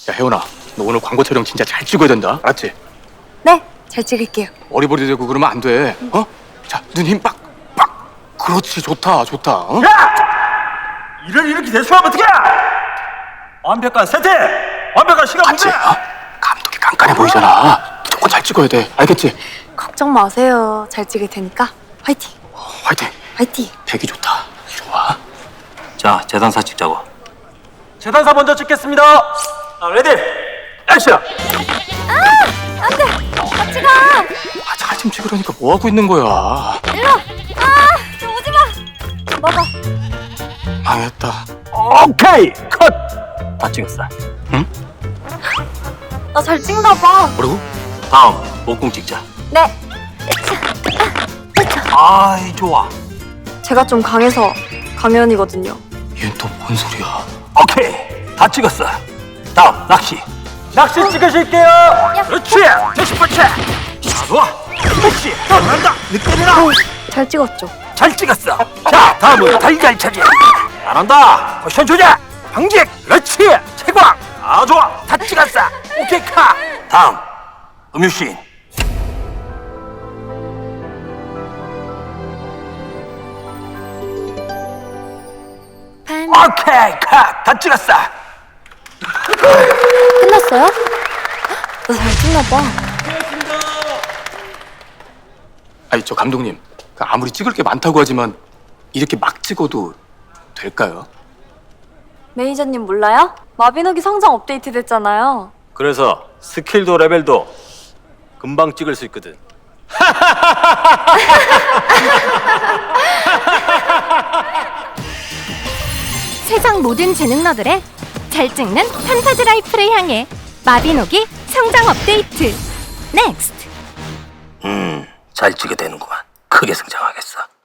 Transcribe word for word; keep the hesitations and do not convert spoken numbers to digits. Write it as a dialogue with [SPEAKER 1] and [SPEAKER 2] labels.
[SPEAKER 1] 야, 혜원아, 너 오늘 광고 촬영 진짜 잘 찍어야 된다. 알았지?
[SPEAKER 2] 네, 잘 찍을게요.
[SPEAKER 1] 어리버리 되고 그러면 안 돼. 어? 자, 눈 힘 빡, 빡. 그렇지, 좋다, 좋다. 어?
[SPEAKER 3] 야! 일을 이렇게 대충하면 어떡해! 완벽한 세트! 완벽한 시간
[SPEAKER 1] 맞지?
[SPEAKER 3] 분배!
[SPEAKER 1] 어? 감독이 깐깐해 보이잖아. 무조건 잘 찍어야 돼. 알겠지?
[SPEAKER 2] 걱정 마세요. 잘 찍을 테니까 화이팅!
[SPEAKER 1] 어, 화이팅.
[SPEAKER 2] 화이팅!
[SPEAKER 1] 대기 좋다. 좋아.
[SPEAKER 4] 자, 재단사 찍자고.
[SPEAKER 3] 재단사 먼저 찍겠습니다. 아, 레디! 액션!
[SPEAKER 2] 안 돼! 같이 가!
[SPEAKER 1] 아, 잘 좀 찍으라니까 뭐 하고 있는 거야?
[SPEAKER 2] 일로! 아! 저 오지 마! 먹어.
[SPEAKER 1] 망했다.
[SPEAKER 3] 오케이! 컷!
[SPEAKER 4] 다 찍었어.
[SPEAKER 2] 나 잘 찍나 봐.
[SPEAKER 1] 뭐라고?
[SPEAKER 4] 다음, 목공 찍자.
[SPEAKER 2] 네.
[SPEAKER 4] 아이, 좋아.
[SPEAKER 2] 제가 좀 강해서 강연이거든요.
[SPEAKER 1] 얘는 또 뭔 소리야?
[SPEAKER 4] 오케이, 다 찍었어. 다음, 낚시.
[SPEAKER 3] 낚시 찍으실게요! 그렇지! 대시펀치! 자, 좋아! 그렇지! 잘한다! 느낌이나!
[SPEAKER 2] 잘 찍었죠?
[SPEAKER 4] 잘 찍었어. 자, 다음은 달걀차기. 잘한다. 포션 조작. 방직. 그렇지. 채광. 아, 좋아. 다 찍었어. 오케이, 카. 다음, 음유씬.
[SPEAKER 2] 반...
[SPEAKER 4] 오케이, 카. 다 찍었어.
[SPEAKER 2] 끝났어요? 나 잘 찍나 봐.
[SPEAKER 1] 아니, 저 감독님. 그 아무리 찍을 게 많다고 하지만 이렇게 막 찍어도 될까요?
[SPEAKER 2] 매니저님 몰라요? 마비노기 성장 업데이트 됐잖아요.
[SPEAKER 4] 그래서 스킬도 레벨도 금방 찍을 수 있거든.
[SPEAKER 5] 세상 모든 재능러들의 잘 찍는 판타지 라이프를 향해 마비노기 성장 업데이트 넥스트.
[SPEAKER 4] 음, 잘 찍게 되는구만. 크게 성장하겠어.